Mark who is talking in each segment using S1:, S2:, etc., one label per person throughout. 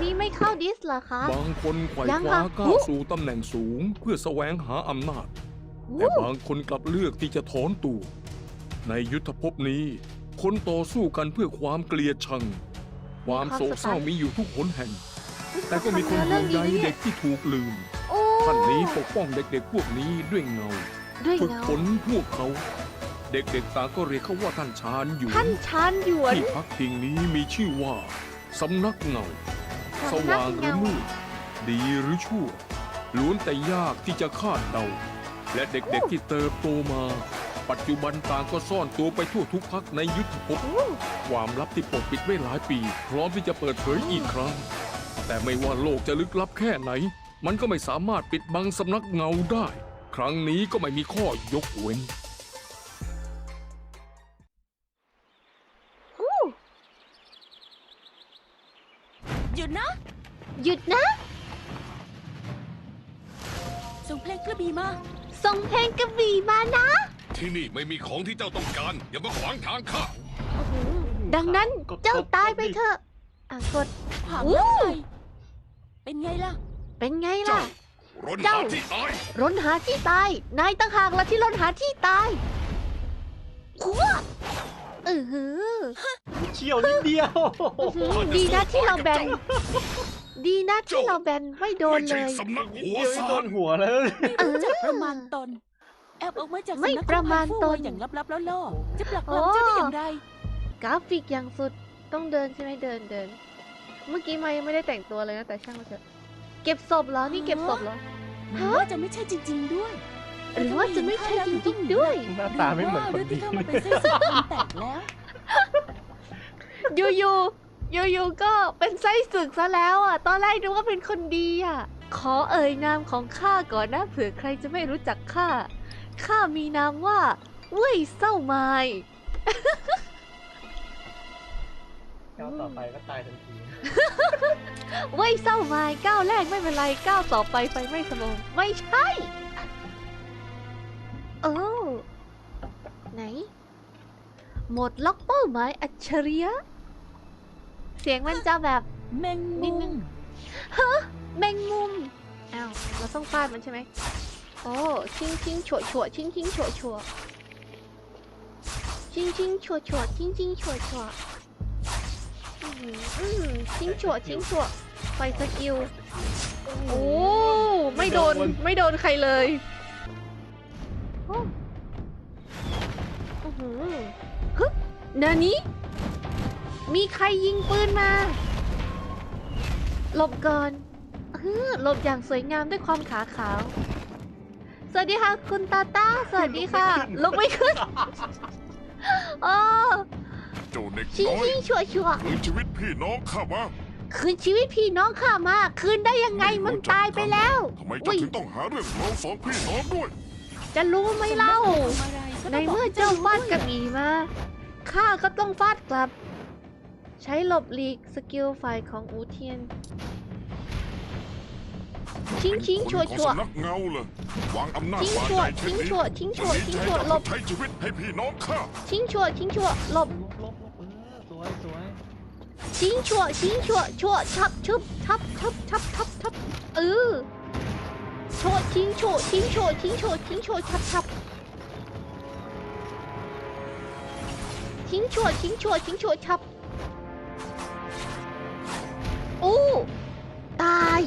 S1: นี้ไม่เข้าดิสเหรอคะ
S2: บางคนไขว่
S1: ยัง
S2: ค
S1: ค่ะ
S2: ว้าก้าวสู่ตำแหน่งสูงเพื่อแสวงหาอำนาจ แต่บางคนกลับเลือกที่จะถอนตัวในยุทธภพนี้ คนต่อสู้กันเพื่อความเกลียดชัง ความโศกเศร้ามีอยู่ทุกหนแห่ง แต่ก็มีคนห่วงใยเด็กที่ถูกลืม
S1: โอ้
S2: ท่านนี้ปกป้องเด็กๆพวกนี้ด้วยเงา
S1: ด้วย
S2: ฝึก
S1: เงา
S2: ฝนพวกเขา เด็กๆต่างก็เรียกเขาว่าท่านชานหยวน
S1: ท่านชานหยวน
S2: ที่พักพิงนี้มีชื่อว่าสำนักเงา สว่างหรือมืดดีหรือชั่วล้วนแต่ยากที่จะคาดเดา และเด็กๆที่เติบโตมา ปัจจุบันต่างก็ซ่อนตัวไปทั่วทุกพักในยุทธภพ ความลับที่ปกปิดไว้หลายปี พร้อมที่จะเปิดเผยอีกครั้ง แต่ไม่ว่าโลกจะลึกลับแค่ไหน มันก็ไม่สามารถปิดบังสำนักเงาได้ ครั้งนี้ก็ไม่มีข้อยกเว้น
S3: หยุดนะ
S1: หยุดนะ
S3: ส่งเพลงกระบี่มา
S1: ส่งเพลงกระบี่มานะ
S4: ที่นี่ไม่มีของที่เจ้าต้องการ อย่ามาขวางทางข้า
S1: ดังนั้นเจ้าตายไปเถอะกด
S3: ถามแล้วไงเป็นไงล่ะ
S1: เป็นไง
S4: เจ้า
S1: ล่ะ
S4: รน
S1: เจ้า
S4: หาที่ตาย
S1: รนหาที่ตาย นายต่างหากละที่รนหาที่ตายขัวหือ
S5: เชี่ยวนิดเดียว
S1: ดีนะที่เราแบน ดีนะที่เราแบนไม่โดน
S4: ไม่
S1: เล
S4: ใช่
S1: ย
S4: สำนักหัว
S5: เดี๋ยวนี่
S4: ซา
S5: โด
S4: น
S5: นหัวแล้ว
S3: ไม่รู้จักประมาณตน แอบออกมาจาก
S1: ไม่
S3: สำนัก
S1: ประมาณตน
S3: ของไฟฟู่อย่างลับๆล่อๆจะปลักปล้ำเจ้าได้อย่างไร
S1: กราฟิกอย่างสุดต้องเดินใช่ไหมเดิน เมื่อกี้มายังไม่ได้แต่งตัวเลยนะแต่ช่างมันเถอะเก็บศพเหรอ นี่เก็บศพเหรอ
S3: หรือว่าจะไม่ใช่จริง ๆ ด้วย
S1: หรือว่าจะไม่ใช่จริงๆด้วย
S5: หน้าตาไม่เหมือนคน
S3: หรือ
S5: ดี
S3: ว่าเรื่องที่เข้ามาเป็นเส้นสายพันแตกแล้ว
S1: อยู่ก็เป็นไส้ศึกซะแล้วอ่ะ ตอนแรกนึกว่าเป็นคนดีอ่ะ ขอเอ่ยนามของข้าก่อนนะเผื่อใครจะไม่รู้จักข้า ข้ามีนามว่าเว่ยเส้าไม้
S5: ก้าวต่อไปก็ตายทันที
S1: เว่ยเส้าไม้ก้าวแรกไม่เป็นไรก้าวต่อไปไฟไม่สมองไม่ใช่โอ้ไหน หมดล็อกเป้าหมายอัจฉริยะ เสียงมันจะแบบ
S3: แมง
S1: นิดนึ
S3: มุ
S1: ง
S3: ม
S1: แมงมุม อ้าว เราต้องฟาดมันใช่ไหม โอ้ชิงชิงฉวฉวชิงชิงฉวฉวชิงชิงฉวฉวชิงชิงฉวฉวชิงฉวชิงฉวไฟสกิล โอ้ ไม่โดนใครเลยโอ้ฮึนานี้มีใครยิงปืนมาหลบก่อนหลบอย่างสวยงามด้วยความขาขาว สวัสดีค่ะคุณตาต้า สวัสดีค่ะ ลุกไม่ขึ้นโอ้
S4: เจ้าเด็ก
S1: ชิง
S4: น้อย
S1: ชิงชัวชัว
S4: คืนชีวิตพี่น้องข้ามา
S1: คืนชีวิตพี่น้องข้ามา คืนได้ยังไงมันตายไปแล้ว
S4: ทำไมเจ้าถึงต้องหาเรื่องเราสองพี่น้องด้วย
S1: จะรู้ไหมเล่า
S3: ทำอะไรก็
S1: ใน
S3: ต้งบก
S1: เมื่อ
S3: ให้
S1: เจ้าฟาด
S3: รู้
S1: กระบี่มา ข้าก็ต้องฟาดกลับ ใช้หลบหลีกสกิลฝ่ายของอูเทียน ชิงชิง
S4: เป็น
S1: ชัว
S4: คน
S1: ชัว
S4: ของสำนักเงาเลย วางอำนาจ
S1: ชิง
S4: วาง
S1: ชัว
S4: ใจเช่นนี้
S1: ชิงชัว
S4: จะมี
S1: ชิง
S4: ใจ
S1: ชัว
S4: กับ
S1: หลบ
S4: ใช้ชีวิตให้พี่น้องข้า
S1: ชิงชัวหลบ
S5: ลบสวยสวย
S1: ชิงชัวชับชับชัวชิงชัวชับชิงชัวชับโอ้ตาย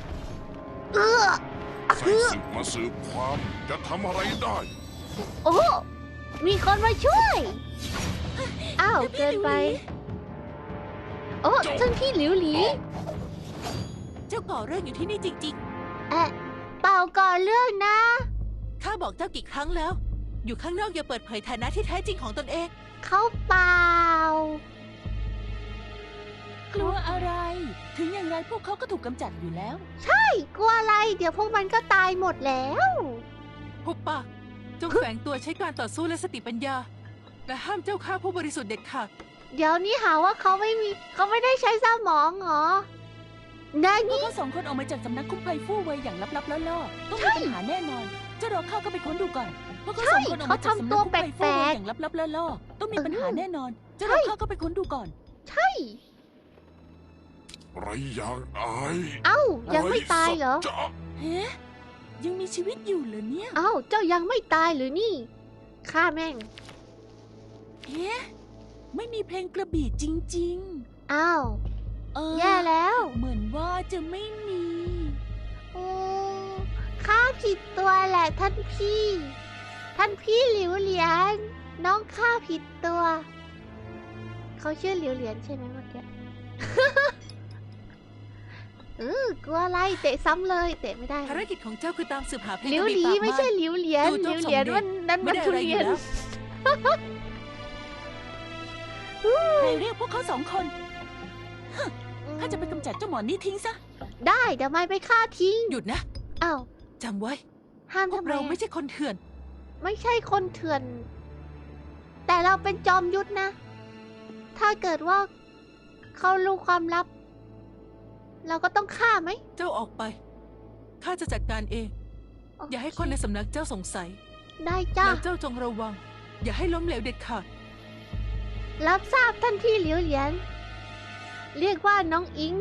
S4: ใส่ศึกมาสืบความจะทำอะไรได้
S1: โอ้มีคนมาช่วยอ้าวเกินไปโอ้ท่านพี่หลิวหลี
S3: เจ้าก่อเรื่องอยู่ที่นี่จริง
S1: เปล่าก่อนเรื่องนะ
S3: ๆ ข้าบอกเจ้ากี่ครั้งแล้ว อยู่ข้างนอกอย่าเปิดเผยฐานะที่แท้จริงของตนเอง
S1: เขาเปล่า
S3: กลัวอะไร ถึงอย่างไรพวกเขาก็ถูกกำจัดอยู่แล้ว
S1: กลัวอะไร เดี๋ยวพวกมันก็ตายหมดแล้ว
S3: หุบปากจงแฝงตัวใช้การต่อสู้และสติปัญญา และห้ามเจ้าฆ่าผู้บริสุทธิ์เด็ดขาด
S1: เดี๋ยวนี้หาว่าเขาไม่ได้ใช้สมองเหรอนา
S3: พวก
S1: นี่
S3: เขาสองคนออกมาจากสำนักคุ้มภัยฟู่เวยอย่างลับๆล่อๆต้องมีปัญหาแน่นอน เจ้ารอข้าก็ไปค้นดูก่อนพวกเขาสองคนออกมาจากสำนักคุ้มภัยฟู่เวยอย่างลับๆล่อๆต้องมีปัญหาแน่นอน เจ้ารอข้าก็ไปค้นดูก่อน
S1: ใช่
S4: ไรอย่างอาย
S1: เอ้า ยังไม่ตายเหรอ
S4: ไสัจจะ
S3: เฮ้ยังมีชีวิตอยู่เหรอเนี่ย
S1: เอ้า เจ้ายังไม่ตายหรือนี่ฆ่าแม่ง
S3: เฮ้ไม่มีเพลงกระบี่จริง
S1: อ้าว
S3: ๆ
S1: แย่แล้ว
S3: เหมือนว่าจะไม่มี
S1: โอ้ข้าผิดตัวแหละท่านพี่ ท่านพี่หลิวเหลียน น้องข้าผิดตัว เขาชื่อหลิวเหลียนใช่ไหมเมื่อกี้ กลัวอะไรเตะซ้ำเลย เตะไม่ได้
S3: ภารกิจของเจ้าคือตามสืบหาเพลง
S1: หลิว
S3: กระ
S1: หลี
S3: บี่ปาก
S1: ไม่ใช่
S3: ม่าน
S1: หลิวเหลียน
S3: ดู
S1: ห
S3: โจ๊
S1: ลิ
S3: ก
S1: วเหลียน
S3: สมเด็จ
S1: วันนั้น
S3: ไม่
S1: มัน
S3: ได้
S1: ทุ
S3: อะไรอ
S1: เรี
S3: ยู่
S1: ยน
S3: แล้ว ใครเรียกพวกเขาสองคนข้าจะไปกำจัดเจ้าหมอนี่ทิ้งซะ
S1: ได้เดี๋ยวไม่ไปฆ่าทิ้ง
S3: หยุดนะ
S1: อ้าว
S3: จำไว้
S1: ห้าม
S3: พว
S1: ทำ
S3: ก
S1: ไม
S3: เรา
S1: อะ
S3: ไม่ใช่คนเถื่อน
S1: ไม่ใช่คนเถื่อน แต่เราเป็นจอมยุทธนะ ถ้าเกิดว่าเขารู้ความลับ เราก็ต้องฆ่าไหม
S3: เจ้าออกไป ข้าจะจัดการเอง อย่าให้คนในสำนักเจ้าสงสัย
S1: ได้จ้า
S3: แล้วเจ้าจงระวัง อย่าให้ล้มเหลวเด็ดขาด
S1: รับทราบท่านพี่เหลียวเหลียน เรียกว่าน้องอิง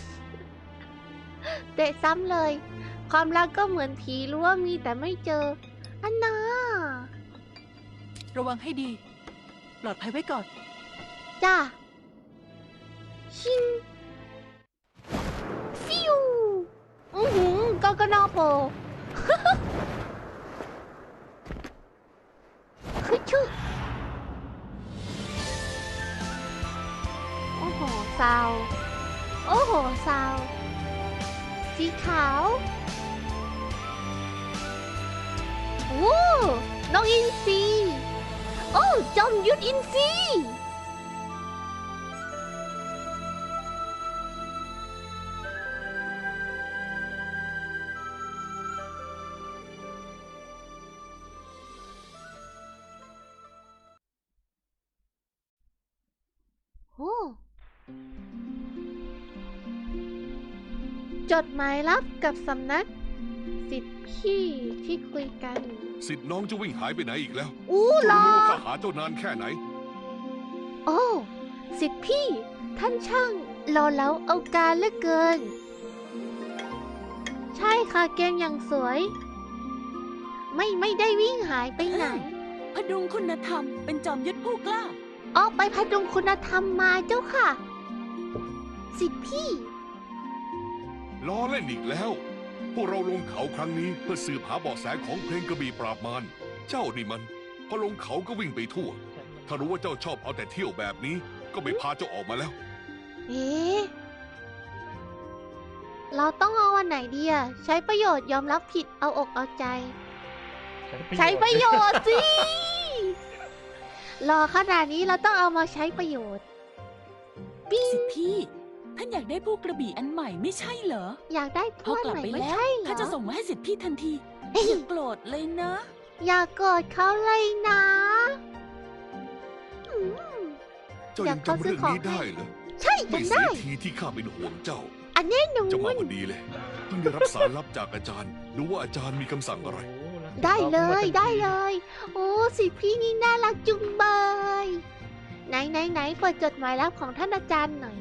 S1: เตะซ้ำเลย ความรักก็เหมือนผีรู้ว่ามีแต่ไม่เจอ อันน่า
S3: ระวังให้ดี ปลอดภัยไว้ก่อน
S1: จ้า ชิง ฟิวกกนโป คือชื่อ โอ้โหซาว โอ้โหซาว สีขาว โอ้น้องอินซี โอ้จอมยุทธอินซี โอ้จดหมายลับกับสำนัก สิทธิ์พี่ที่คุยกัน
S4: สิทธิ์น้องจะวิ่งหายไปไหนอีกแล้ว
S1: อู้หรอ
S4: รู้ว่าข้าหาเจ้านานแค่ไหน
S1: โอ้ สิทธิ์พี่ ท่านช่างรอแล้วเอาการเหลือเกิน ใช่ค่ะเกมอย่างสวย ไม่ได้วิ่งหายไปไหน
S3: พดุงคุณธรรมเป็นจอมยุทธผู้กล้า
S1: ออกไปพดุงคุณธรรมมาเจ้าค่ะ สิทธิ์พี่
S4: ล้อเล่นอีกแล้ว พวกเราลงเขาครั้งนี้เพื่อสืบหาเบาะแสของเพลงกระบี่ปราบมาร เจ้านี่มัน พอลงเขาก็วิ่งไปทั่ว ถ้ารู้ว่าเจ้าชอบเอาแต่เที่ยวแบบนี้ ก็ไม่พาเจ้าออกมาแล้ว
S1: เอ๊ะ เราต้องเอาวันไหนดีอะใช้ประโยชน์ยอมรับผิดเอาอกเอาใจ ใช้ประโยชน์สิ รอขนาดนี้เราต้องเอามาใช้ประโยชน์
S3: สิทธิพี่ ท่านอยากได้ผู้กระบี่อันใหม่ไม่ใช่เหรอ
S1: อยากได้
S3: พ
S1: ถ้
S3: อ
S1: วย
S3: กลับ
S1: ใหม่
S3: ไป
S1: ไม่
S3: แล้ว
S1: ใช่เหร
S3: ข้าจะ
S1: อ
S3: ส่งมาให้สิทธิพี่ทันที
S1: เอ้ย
S3: อย่าโกรธเลยนะ
S1: อย่าโกรธเขาเลยนะอืม
S4: เจ้ายังจำเรื่องนี้ได้เหรอ
S1: ใช่
S4: ไม่
S1: จำ
S4: เสี
S1: ได้
S4: ยทีที่ข้าเป็นห่วงเจ้า
S1: อันแน่นอ
S4: จะมาน พอดีเลย เพิ่งได้รับสารลับจากอาจารย์ ดูว่าอาจารย์มีคำสั่งอะไร
S1: ได้เลยได้เลย โอ้สิพี่นี่น่ารักจุงเบยไหนเปิดจดหมายลับของท่านอาจารย์หน่อย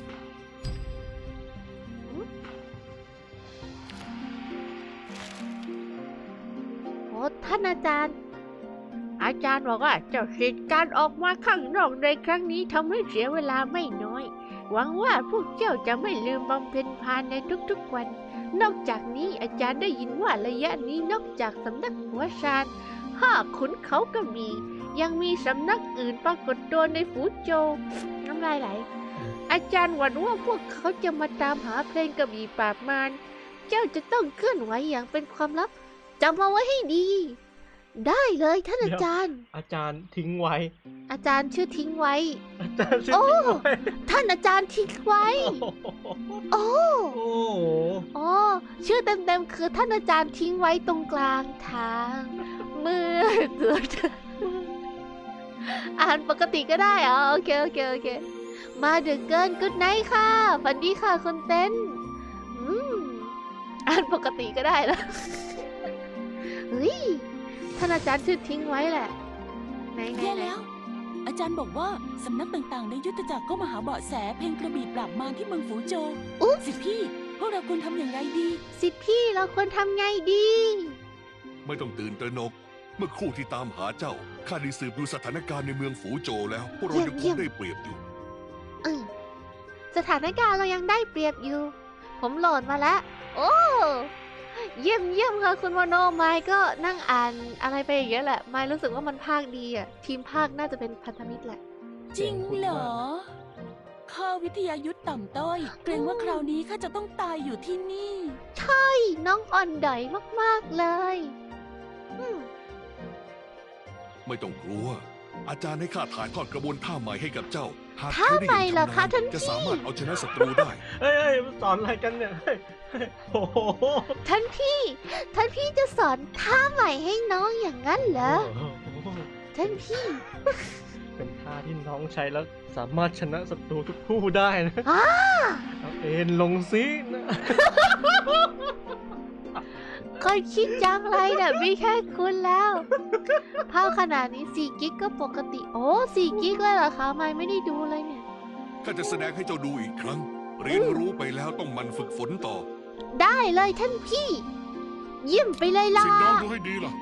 S1: โอ้ท่านอาจารย์ อาจารย์บอกว่าเจ้าสิทธิ์การออกมาข้างนอกในครั้งนี้ทำให้เสียเวลาไม่น้อย หวังว่าพวกเจ้าจะไม่ลืมบำเพ็ญทานในทุกๆวัน นอกจากนี้อาจารย์ได้ยินว่าระยะนี้นอกจากสำนักหัวชาน5 ขุนเขากระบี่ยังมีสำนักอื่นปรากฏตัวในฝูโจวน้ำลายไหล อาจารย์หวั่นว่าพวกเขาจะมาตามหาเพลงกระบี่ปราบมาร เจ้าจะต้องเคลื่อนไหวอย่างเป็นความลับจำเอาไว้ให้ดี ได้เลยท่านอาจารย์
S5: อาจารย์ทิ้งไว้
S1: อาจารย์ชื่อทิ้งไว้
S5: อาจารย์ชื่อ
S1: โอ้
S5: ทิ้งไว้
S1: ท่านอาจารย์ทิ้งไว้ โอ้
S5: โอ้โห
S1: อ๋อชื่อเต็มๆคือท่านอาจารย์ทิ้งไว้ตรงกลางทางเมื่อเกิดอ่านปกติก็ได้เหรอโอเค มาดึกเกินกุดไนท์ค่ะฝันดีค่ะคนเต้นอ่านปกติก็ได้แล้ว เฮ้ยท่านอาจารย์ชื่อทิ้งไว้แหละไหน
S3: แย่แล้วอาจารย์บอกว่าสำนักต่างๆ ในยุทธจักรก็มาหาเบาะแสเพลงกระบี่ปราบมารที่เมืองฝูโจว
S1: อุ๊ย
S3: สิพี่ พวกเราควรทำอย่างไรดี
S1: สิทธิ์พี่เราควรทำไงดี
S4: ไม่ต้องตื่นตระหนก เมื่อครู่ที่ตามหาเจ้าข้าได้สืบดูสถานการณ์ในเมืองฝูโจวแล้ว พวกเรายังคงได้เปรียบอยู่
S1: เออสถานการณ์เรายังได้เปรียบอยู่ ผมโหลดมาแล้ว โอ้ เยี่ยมเยี่ยมค่ะคุณโมโนไมค์ก็นั่งอ่านอะไรไปอย่างเงี้ยแหละ ไมค์รู้สึกว่ามันภาคดีอ่ะ ทีมภาคน่าจะเป็นพันธมิตรแหละ
S3: จริงเหรอ ข้าวิทยายุทธต่ำต้อย เกรงว่าคราวนี้ข้าจะต้องตายอยู่ที่นี่
S1: ใช่ น้องอ่อนดอยมากๆเลยอืม
S4: ไม่ต้องกลัว อาจารย์ให้ข้าถ่ายทอดกระบวนท่าใหม่ให้กับเจ้า หาก
S1: ท่า
S4: เขาได้
S1: ใหม่
S4: อย่าง
S1: เหรอ
S4: ชำ
S1: คะ
S4: นาญ
S1: ท่าน
S4: จะ
S1: พี่
S4: สามารถเอาชนะศัตรูได้
S5: เฮ้ยสอนอะไรกันเนี่ยเฮ้ยโอ้โห
S1: ท่านพี่จะสอนท่าใหม่ให้น้องอย่างนั้นเหรอ ท่านพี่
S5: เป็นท่าที่น้องใช้แล้วสามารถชนะศัตรูทุกผู้ได้นะ
S1: อ้า
S5: เอาเอ็นลงซินะ
S1: คนคิดจังไรเนี่ยมีแค่คุณแล้วภาพขนาดนี้4 กิกก็ปกติ โอ้4 กิกเลยเหรอคะไม่ได้ดูเลยเนี่ย
S4: ข้าจะแสดงให้เจ้าดูอีกครั้ง เรียนรู้ไปแล้วต้องหมันฝึกฝนต่อ
S1: ได้เลยท่านพี่ เยี่ยมไปเลยล่ะ
S4: สิน้องดูให้ดีล่ะ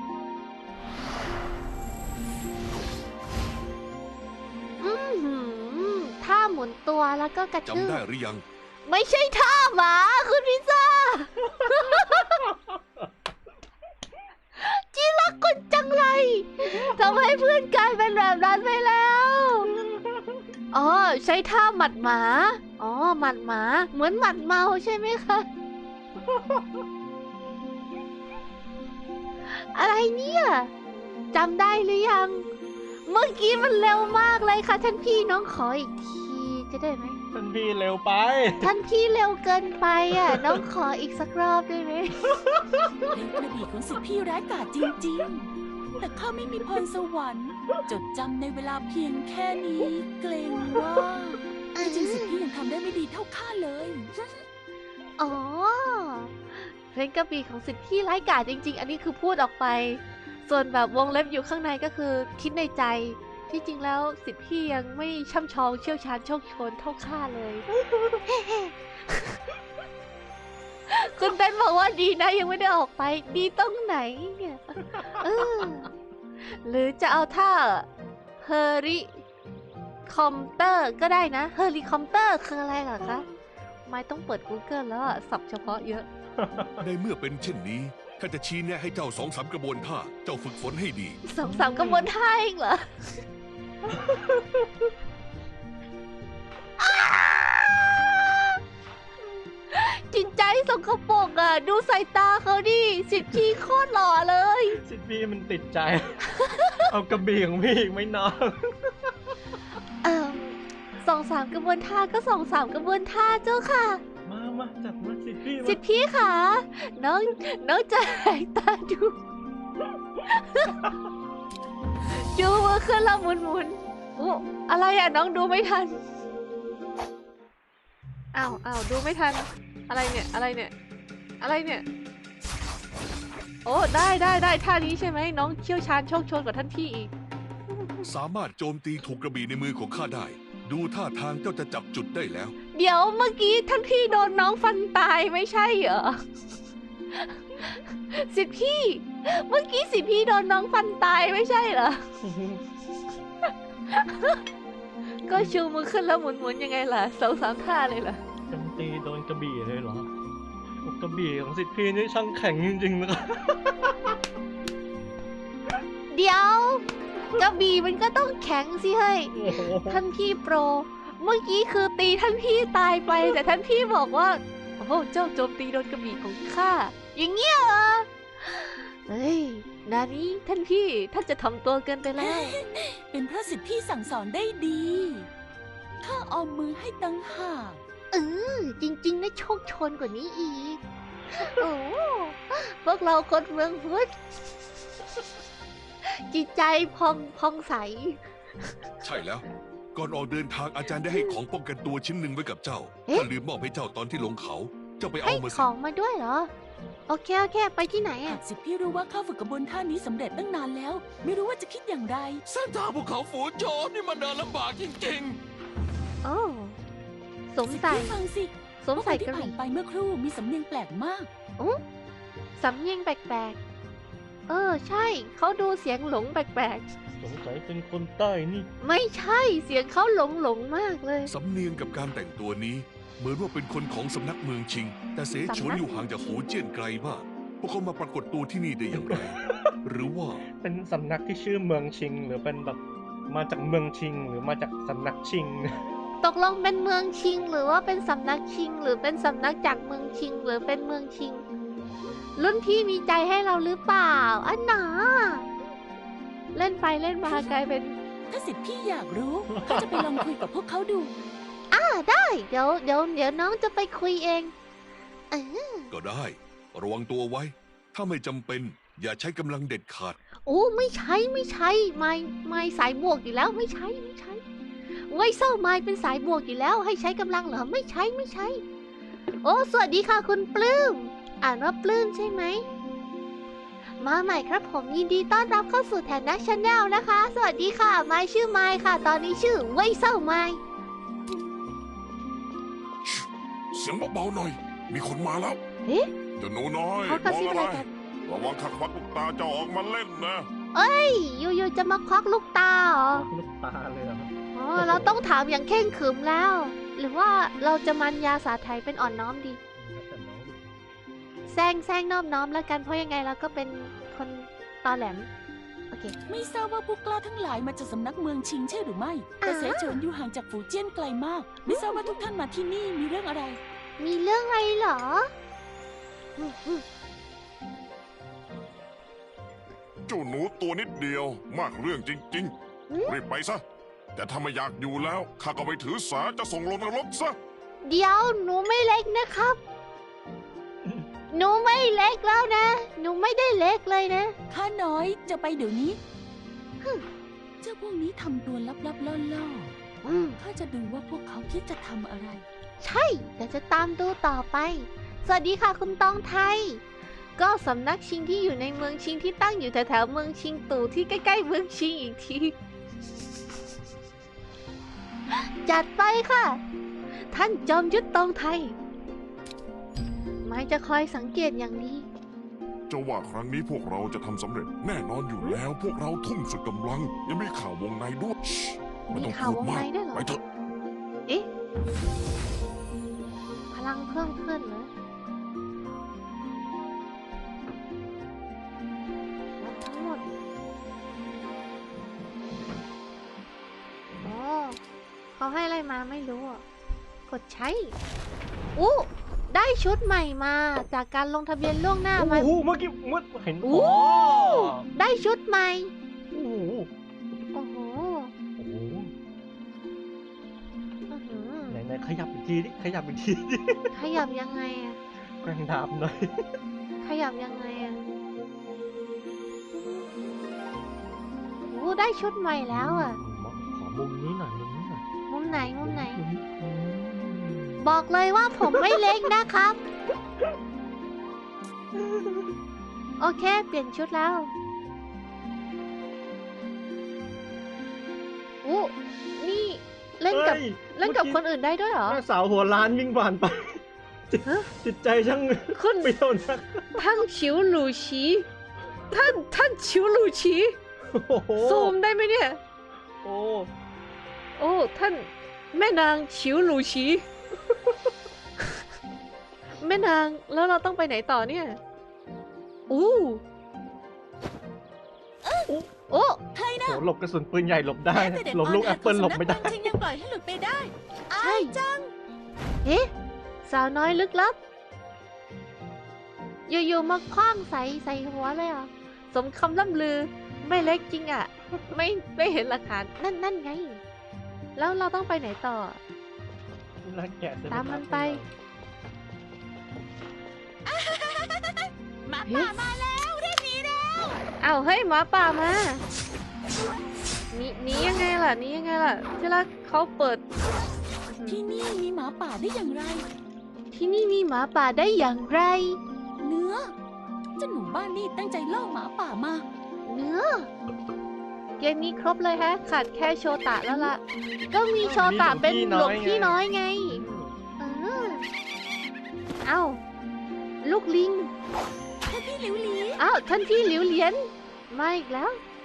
S1: อื้อหือท่าหมุนตัวแล้วก็กระชืบ
S4: จำได้หรือยัง
S1: ไม่ใช่ท่าหมาคุณพิซซ่า จีรักคุณจังไรทำให้เพื่อนกลายเป็นแบบนั้นไปแล้ว อ๋อ ใช้ท่าหมัดหมา อ๋อ หมัดหมา เหมือนหมัดเมาใช่ไหมคะ อะไรเนี่ยจำได้หรือยัง เมื่อกี้มันเร็วมากเลยค่ะ ท่านพี่น้องขออีกทีจะได้ไหม
S5: ท่านพี่เร็วไป
S1: ท่านพี่เร็วเกินไปอ่ะ น้องขออีกสักรอบได้ไหม
S3: เพลงกระบี่ของสิทธิพี่ร้ายกาจจริงๆ แต่ข้าไม่มีพรสวรรค์ จดจำในเวลาเพียงแค่นี้ เกรงว่าที่จริงสิทธิพี่ยังทำได้ไม่ดีเท่าข้าเลย
S1: อ๋อ เพลงกระบี่ของสิทธิ์พี่ร้ายกาจจริง ๆ อันนี้คือพูดออกไป ส่วนแบบวงเล็บอยู่ข้างในก็คือคิดในใจ ที่จริงแล้วสิทธิ์พี่ยังไม่ช่ำชองเชี่ยวชาญโชคโชนเท่าข้าเลย คุณเต้นบอกว่าดีนะยังไม่ได้ออกไป ดีตรงไหนเนี่ยเออหรือจะเอาท่าเฮอริคอมเตอร์ก็ได้นะเฮอริคอมเตอร์คืออะไรเหรอคะ ไม่ต้องเปิด Google แล้วอะศัพท์เฉพาะเยอะ
S4: ในเมื่อเป็นเช่นนี้ข้าจะชี้แนะให้เจ้า2-3 กระบวนท่า เจ้าฝึกฝนให้ดี
S1: 2-3 กระบวนท่าเองเหรอ จิตใจสกปรกอ่ะ ดูสายตาเขาดิสิบพี่โคตรหล่อเลย
S5: สิทธิ์พี่มันติดใจ เอากระบี่ของพี่อีกไหม่น้อง
S1: 2-3 กระบวนท่าก็ 2-3 กระบวนท่าเจ้าค่ะ
S5: มาจัดมาสิทธิ์พี่มา
S1: สิทธิพี่ค่ะ น้องจะหายตาดู ดูมือขึ้นแล้วหมุนอู้อะไรอ่ะน้องดูไม่ทัน อ้าวดูไม่ทัน อะไรเนี่ย อะไรเนี่ย โอ้ได้ท่านี้ใช่ไหมน้องเชี่ยวชาญโชคโชนกว่าท่านพี่อีก
S4: สามารถโจมตีถูกกระบี่ในมือของข้าได้ ดูท่าทางเจ้าจะจับจุดได้แล้ว
S1: เดี๋ยวเมื่อกี้ท่านพี่โดนน้องฟันตายไม่ใช่เหรอ สิทธิพี่ เมื่อกี้สิทธิพี่โดนน้องฟันตายไม่ใช่เหรอ ก็ชูมือขึ้นแล้วหมุนยังไงล่ะ2-3 ท่าเลยล่ะ
S5: โจมตีโดนกระบี่เลยเหรอโอ้กระบี่ของสิทธิ์พี่นี่ช่างแข็งจริงๆนะครับ
S1: เดี๋ยวกระบี่มันก็ต้องแข็งสิเฮ้ย
S5: โอ้โห
S1: ท่านพี่โปร เมื่อกี้คือตีท่านพี่ตายไป แต่ท่านพี่บอกว่า โอ้โหเจ้าโจมตีโดนกระบี่ของข้า อย่างเงี้ยเหรอ เฮ้ย นานี้ท่านพี่ท่านจะทำตัวเกินไปแล้ว
S3: เป็นเพราะสิทธิพี่สั่งสอนได้ดี ข้าออมมือให้ตั้งหาก
S1: จริงๆนะโชคชนกว่านี้อีก โอ้พวกเราคนเมืองพุทธจิตใจพองใส
S4: ใช่แล้ว ก่อนออกเดินทางอาจารย์ได้ให้ของป้องกันตัวชิ้นหนึ่งไว้กับเจ้า
S1: เอ๊ะ
S4: ข้าลืมมอบให้เจ้าตอนที่ลงเขา เจ้าไป
S1: ให้
S4: เอามา
S1: ข
S4: สิ
S1: องมาด้วยเหรอโอเค โอเค ไปที่ไหน
S3: หา
S1: อ่ะ
S3: กสิทธิพี่รู้ว่าเข้าฝึกกระบวนท่านี้สำเร็จตั้งนานแล้ว ไม่รู้ว่าจะคิดอย่างไร
S2: เส้นทางภูเขาฝูโจมนี่มันเดินลำบากจริง
S1: โอ้สวม
S3: สิทธิ
S1: ใส่
S3: พี่ฟังสิ
S1: สวมใส่
S3: พว
S1: ก
S3: ก
S1: ระ
S3: คนที่
S1: ห
S3: ผ่า
S1: รี่
S3: นไปเมื่อครู่มีสำเนียงแปลกมาก
S1: สำเนียงแปลกๆ ใช่ เขาดูเสียงหลงแปลก
S5: สงสัยเป็นคนใต้นี่
S1: ๆ ไม่ใช่ เสียงเขาหลงมากเลย
S4: สำเนียงกับการแต่งตัวนี้ เหมือนว่าเป็นคนของสำนักเมืองชิง แต่เสฉวนอยู่ห่างจากฝูเจี้ยนไกลมาก พวกเขามาปรากฏตัวที่นี่ได้อย่างไร หรือว่า
S5: เป็นสำนักที่ชื่อเมืองชิง หรือเป็นแบบมาจากเมืองชิง หรือมาจากสำนักชิง
S1: ตกลงเป็นเมืองชิง หรือว่าเป็นสำนักชิง หรือเป็นสำนักจากเมืองชิง หรือเป็นเมืองชิง รุ่นพี่มีใจให้เราหรือเปล่าอันหนาเล่นไปเล่นมากลายเป็น
S3: ถ้าสิทธิพี่อยากรู้ก็จะไปลองคุยกับพวกเขาดู
S1: ได้เดี๋ยวน้องจะไปคุยเองเออ
S4: ก็ได้ ระวังตัวไว้ ถ้าไม่จำเป็น อย่าใช้กำลังเด็ดขาด
S1: โอ้ไม่ใช่ไม่สายบวกอยู่แล้วไม่ใช่ไว้เศร้าไม่เป็นสายบวกอยู่แล้ว ให้ใช้กำลังเหรอไม่ใช่โอ้สวัสดีค่ะคุณปลื้มอ่านว่าปลื้มใช่ไหมมาใหม่ครับผมยินดีต้อนรับเข้าสู่แทนนักชาแนลนะคะ สวัสดีค่ะไม้ชื่อไม้ค่ะ ตอนนี้ชื่อไว้เศร้าไม้
S4: เสียงเบาๆหน่อย มีคนมาแล้ว
S1: เอ๊ะ
S4: เจ้าหนูน้อย
S1: เขากระซิบอะไรกัน
S4: ระวังขัดควักลูกตาเจ้าออกมาเล่นนะ
S1: อยู่ๆจะมาควักลูกตาเหรอ
S5: ลูกตาเลยเหรอครับ
S1: อ๋อเราต้องถามอย่างเข่งขรึมแล้ว หรือว่าเราจะมันยาสาไทยเป็นอ่อนน้อมดี
S5: แล้วแต่น้องดู
S1: แซงนอบน้อมแล้วกันเพราะยังไงเราก็เป็นคนตอแหลม โอเค
S3: ไม่ทราบว่าผู้กล้าทั้งหลายมาจากสำนักเมืองชิงใช่หรือไม่ แต่เสฉวนอยู่ห่างจากฝูเจี้ยนไกลมาก ไม่ทราบว่าทุกท่านมาที่นี่มีเรื่องอะไร
S1: มีเรื่องอะไรเหรออืม
S6: เจ้าหนูตัวนิดเดียวมากเรื่องจริงๆ รีบไปซะ แต่ถ้าไม่อยากอยู่แล้วข้าก็ไปถือสาจะส่งลงนรกซะ
S1: เดี๋ยวหนูไม่เล็กนะครับ หนูไม่เล็กแล้วนะ หนูไม่ได้เล็กเลยนะ
S3: ข้าน้อยจะไปเดี๋ยวนี้เจ้าพวกนี้ทำตัวลับๆล่อ
S1: อืม
S3: ๆข้าจะดูว่าพวกเขาคิดจะทำอะไร
S1: ใช่แต่จะตามดูต่อไป สวัสดีค่ะคุณตองไทย ก็สำนักชิงที่อยู่ในเมืองชิงที่ตั้งอยู่แถวๆเมืองชิงตู่ที่ใกล้ๆเมืองชิงอีกที จัดไปค่ะ ท่านจอมยุทธตองไทยหมายจะคอยสังเกตอย่างดี
S6: เจ้าว่าครั้งนี้พวกเราจะทำสำเร็จ แน่นอนอยู่แล้ว พวกเราทุ่มสุดกำลัง ยังมีข่าววงในด้วยชิไม่ต้อง
S1: มีข่าว
S6: พูด
S1: วง
S6: มา
S1: ใน
S6: ก
S1: ด้วยเหรอ
S6: ไปเถอะ
S1: เอ๊ะ พลังเพิ่มขึ้นเหรอแล้วทั้งหมดโอ้เขาให้อะไรมาไม่รู้อ่ะ กดใช้อู้ได้ชุดใหม่มาจากการลงทะเบียนล่วงหน้า
S5: โอ้
S1: มา
S5: โหเมื่อกี้เห็น
S1: อู้ได้ชุดใหม่
S5: โอ้โห
S1: โอ้โห
S5: โอ้โห
S1: อื้อหือ
S5: ไหนขยับอีกทีดิขยับอีกทีดิ
S1: ขยับยังไงอะ
S5: แกร่งดาบหน่อย
S1: ขยับยังไงอะโอ้ได้ชุดใหม่แล้วอะ
S5: ขอมุมนี้หน่อยมุมนี้หน่อย
S1: มุมไหนมุมไหน
S5: มุมนี้อืม
S1: บอกเลยว่าผมไม่เล็กนะครับ โอเค เปลี่ยนชุดแล้วอู้นี่เล่นกับ
S5: ฮ้ย
S1: เล่นกับ
S5: มื่อ
S1: คนอื่นได้ด้วยเหรอ
S5: แม่สาวหัวล้านวิ่งผ่านไป
S1: ฮะ
S5: จิตใจช่าง
S1: คุณ
S5: เปรี้ยวนัก
S1: ท่านฉิวหลูชีท่านฉิวหลูชี
S5: โอ้โห
S1: ซูมได้ไหมเนี่ย
S5: โอ้
S1: โอ้ท่านแม่นางฉิวหลูชี แม่นางแล้วเราต้องไปไหนต่อเนี่ยอู้โอ้
S3: ใครนะ
S5: โหหลบกระสุนปืนใหญ่หลบได้นะ
S3: แต่เด็ด
S5: หลบลูกแอปเปิลหลบไม่ได้
S3: สำนักเมืองชิงยังปล่อยให้หลุดไปได้
S1: ใช่เอ๊ะสาวน้อยลึกลับ อยู่ๆมาคว้างใส่หัวเลยอ่ะ สมคำล่ำลือไม่เล็กจริงอ่ะ ไม่เห็นหลักฐานนั่นไง แล้วเราต้องไปไหนต่อ
S5: น่าแกะจะ
S1: ตามมันไป
S3: หมาป่ามาแล้วเรียกหนีแล้ว
S1: อ้าวเฮ้ยหมาป่ามาหนียังไงล่ะหนียังไงล่ะที่รักเขาเปิด
S3: ที่นี่มีหมาป่าได้อย่างไร
S1: ที่นี่มีหมาป่าได้อย่างไร
S3: เนื้อเจ้าหนูบ้านนี่ตั้งใจล่อหมาป่ามา
S1: เนื้อ เกมนี้ครบเลยฮะ ขาดแค่โชตะแล้วล่ะ ก็มีโชตะเป็นหลวงพี่น้อยไง เออ เอ้า ลูกลิง
S3: ท่านพี่หลิวหลี
S1: อ้าว ท่านพี่หลิวเหลียน มาอีกแล้ว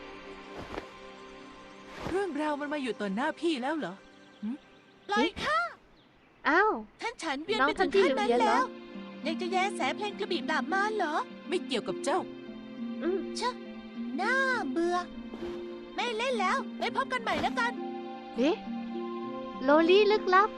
S3: เรื่องราวมันมาอยู่ต่อหน้าพี่แล้วเหรอปล่อยค่ะ
S1: อ้าว
S3: ท่านฉันเวียน
S1: น้อง
S3: ไปจ
S1: ท่าน
S3: น
S1: พี่
S3: ขั้นนั้น
S1: หลิวเหลียนเหรอ
S3: แล้วยังจะแย่แสเพลงกระบี่ปราบมารเหรอ ไม่เกี่ยวกับเจ้า
S1: อืม
S3: น่าเบื่อ ไม่เล่นแล้วไปพบกันใหม่แล้วกัน
S1: เอ๊ะ โลลี่ลึกลับ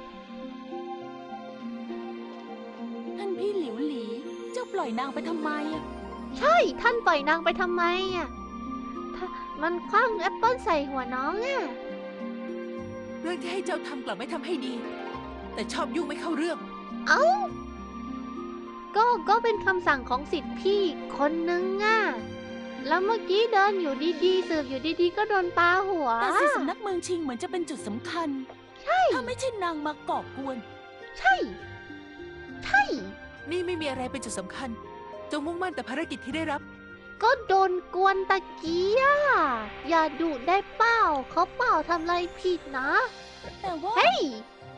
S3: ท่านพี่หลิวหลี เจ้าปล่อยนางไปทำไมอะ
S1: ใช่ ท่านปล่อยนางไปทำไมอ่ะถ้ามันคว้างแอปเปิ้ลใส่หัวน้องอ่ะ
S3: เรื่องที่ให้เจ้าทำกลับไม่ทำให้ดี แต่ชอบยุ่งไม่เข้าเรื่อง
S1: เอ้า ก็เป็นคำสั่งของสิทธิ์พี่คนนึงอ่ะ แล้วเมื่อกี้เดินอยู่ดีๆสืบอยู่ดีๆ ก็โดนปาหัว
S3: แต่สิสำนักเมืองชิงเหมือนจะเป็นจุดสำคัญ
S1: ใช่
S3: ถ้าไม่ใช่นางมาก่อกวน
S1: ใช่ ใช่
S3: นี่ไม่มีอะไรเป็นจุดสำคัญ จงมุ่งมั่นแต่ภารกิจที่ได้รับ
S1: ก็โดนกวนตะกี้อ่ะ อย่าดุได้เปล่า เขาเปล่าทำอะไรผิดนะ
S3: แต่ว่า
S1: เฮ้ย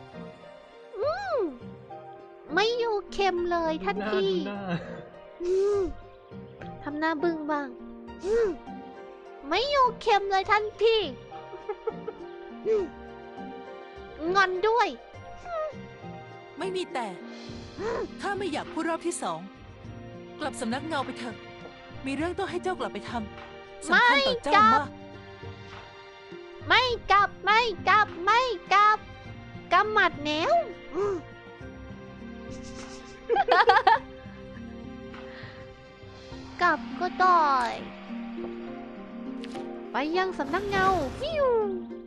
S1: ไม่อยู่เค็มเลยท่าน
S5: หน้า
S1: พี่
S5: ดูหน้า
S1: อืมทำหน้าบึ้งบ้างอืมไม่อยู่เค็มเลยท่านพี่อืมงอนด้วย
S3: ไม่มีแต่ ข้าไม่อยากพูดรอบที่สอง กลับสำนักเงาไปเถอะ มีเรื่องต้องให้เจ้ากลับไปทำสำคัญต่อเจ้ามาก
S1: ไม่กลับ ไม่กลับ ไม่กลับกำหมัดแนวอืมกลับก็ได้ ไปยังสำนักเงาฟิว